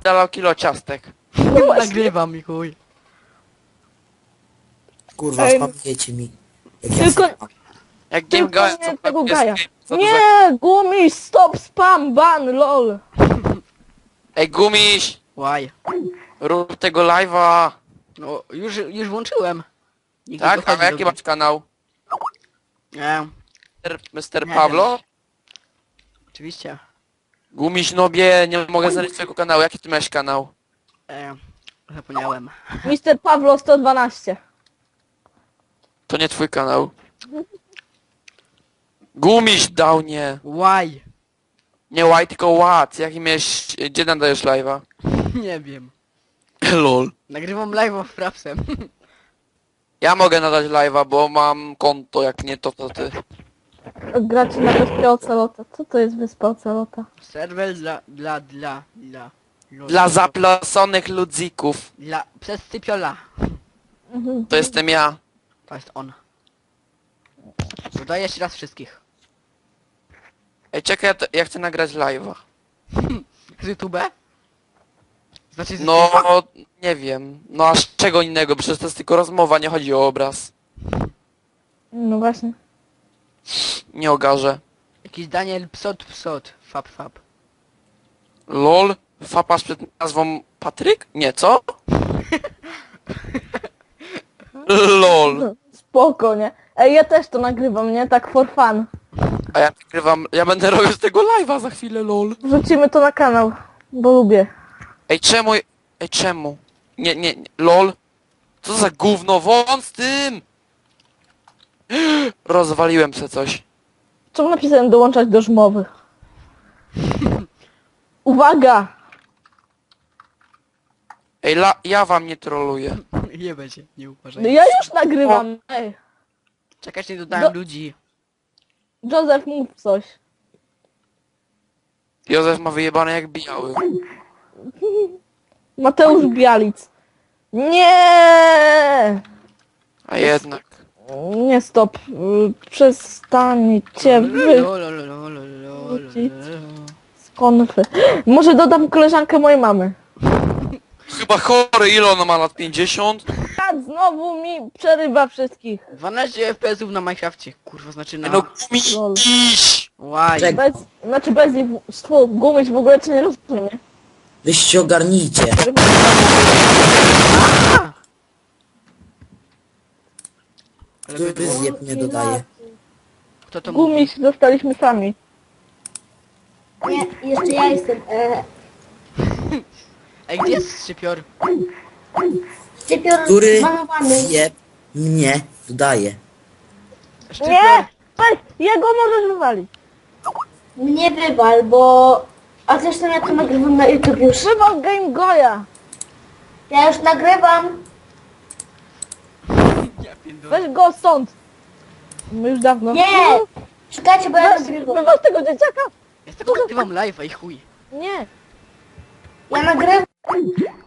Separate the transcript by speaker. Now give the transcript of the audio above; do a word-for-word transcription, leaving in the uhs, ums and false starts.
Speaker 1: napierdalał kilo ciastek.
Speaker 2: Nagrywam i chuj.
Speaker 3: Kurwa,
Speaker 4: Ej,
Speaker 3: spamujecie mi. Jak ja
Speaker 4: tylko-
Speaker 3: spam.
Speaker 1: Jak Game
Speaker 4: Tylko
Speaker 1: Gaia,
Speaker 4: nie
Speaker 1: co
Speaker 4: tego
Speaker 1: jest
Speaker 4: Gaja.
Speaker 1: game, co to za-
Speaker 4: Nie, gumiś, stop, spam, ban, lol.
Speaker 1: Ej, Gumiś!
Speaker 2: Łaj.
Speaker 1: Rób tego live'a!
Speaker 2: No, już, już włączyłem. Nigdy
Speaker 1: Tak?
Speaker 2: dochodzi
Speaker 1: A jaki
Speaker 2: do-
Speaker 1: masz kanał?
Speaker 2: Nie,
Speaker 1: mister mister
Speaker 2: Nie
Speaker 1: Pablo?
Speaker 2: oczywiście.
Speaker 1: Gumiś nobie, nie mogę znaleźć twojego kanału. Jaki ty masz kanał?
Speaker 2: E, zapomniałem.
Speaker 4: mister Pawlo sto dwanaście.
Speaker 1: To nie twój kanał. Gumiś dał nie.
Speaker 2: Łaj.
Speaker 1: Nie łaj, tylko ład. Jaki miałeś... Gdzie nadajesz live'a?
Speaker 2: Nie wiem.
Speaker 1: Lol.
Speaker 2: Nagrywam live'a w Frapsem.
Speaker 1: Ja mogę nadać live'a, bo mam konto, jak nie to, to ty.
Speaker 4: Gracie na wyspie Ocelota. Co to jest wyspa Ocelota?
Speaker 2: Serwer dla, dla, dla, dla.
Speaker 1: Dla zaplaconych ludzików.
Speaker 2: Dla, przez Cypiola.
Speaker 4: Mhm.
Speaker 1: To jestem ja.
Speaker 2: To jest on. Dodaję jeszcze raz wszystkich.
Speaker 1: Ej, czekaj, ja, to, ja chcę nagrać live'a.
Speaker 2: Z YouTube? Znaczy z
Speaker 1: No, nie wiem. No a z czego innego? Przecież to jest tylko rozmowa, nie chodzi o obraz.
Speaker 4: No właśnie.
Speaker 1: Nie ogarzę.
Speaker 2: Jakiś Daniel Psot Psot. Fap Fap.
Speaker 1: Lol? Fapasz przed nazwą Patryk? Nie, co? Lol.
Speaker 4: Spoko, nie? Ej, ja też to nagrywam, nie? Tak for fun.
Speaker 1: A ja nagrywam, ja będę robił z tego live'a za chwilę, lol.
Speaker 4: Wrzucimy to na kanał, bo lubię.
Speaker 1: Ej, czemu? Ej, czemu? Nie, nie, nie, lol. Co za gówno, won z tym! Rozwaliłem se coś.
Speaker 4: Czemu napisałem dołączać do żmowy? Uwaga!
Speaker 1: Ej, la, ja wam nie troluję.
Speaker 2: Nie będzie, nie
Speaker 4: No
Speaker 2: uważaj.
Speaker 4: ja już nagrywam. Ej,
Speaker 2: Czekać, nie dodałem
Speaker 4: Do-
Speaker 2: ludzi.
Speaker 4: Józef, mów coś.
Speaker 1: Józef ma wyjebane jak biały.
Speaker 4: Mateusz Bialic. Nie!
Speaker 1: A jednak.
Speaker 4: Nie stop. Y, Przestańcie wy
Speaker 2: Lo, lo, lo, lo, lo, lo, lo, lo.
Speaker 4: z konfy. Może dodam koleżankę mojej mamy.
Speaker 1: Chyba chory, ile ona ma lat? pięćdziesiąt?
Speaker 4: Tak, znowu mi przerywa wszystkich.
Speaker 2: dwanaście F P S ów na Minecrafcie. Kurwa, znaczy na...
Speaker 1: No gumiś!
Speaker 2: Łaj.
Speaker 3: Czek-
Speaker 4: Bez, znaczy bez nich, stwu, gumić w ogóle cię nie rozumie.
Speaker 3: Weź się ogarnijcie.
Speaker 2: Ale by
Speaker 3: Który
Speaker 2: było.
Speaker 3: zjeb mnie dodaje.
Speaker 2: Kto to mówi?
Speaker 4: Gumić dostaliśmy sami.
Speaker 5: Nie, jeszcze ja jestem. E,
Speaker 2: Ej, gdzie jest szczypior?
Speaker 5: Szczypior
Speaker 3: Który
Speaker 5: zbanowany.
Speaker 3: zjeb mnie dodaje.
Speaker 2: Szczypior?
Speaker 4: Nie! Weź, jego możesz wywalić.
Speaker 5: Mnie wywal, bo... A zresztą ja to nagrywam na YouTube już.
Speaker 4: Wywal Game Goya.
Speaker 5: Ja już nagrywam.
Speaker 2: Ja pierdolę.
Speaker 4: Weź go stąd. My już dawno.
Speaker 5: Nie! Czekajcie, bo ja
Speaker 4: Weź,
Speaker 5: nagrywam.
Speaker 4: wywal tego dzieciaka.
Speaker 2: Ja tylko nagrywam live'a i chuj.
Speaker 4: Nie.
Speaker 5: Ja nagrywam.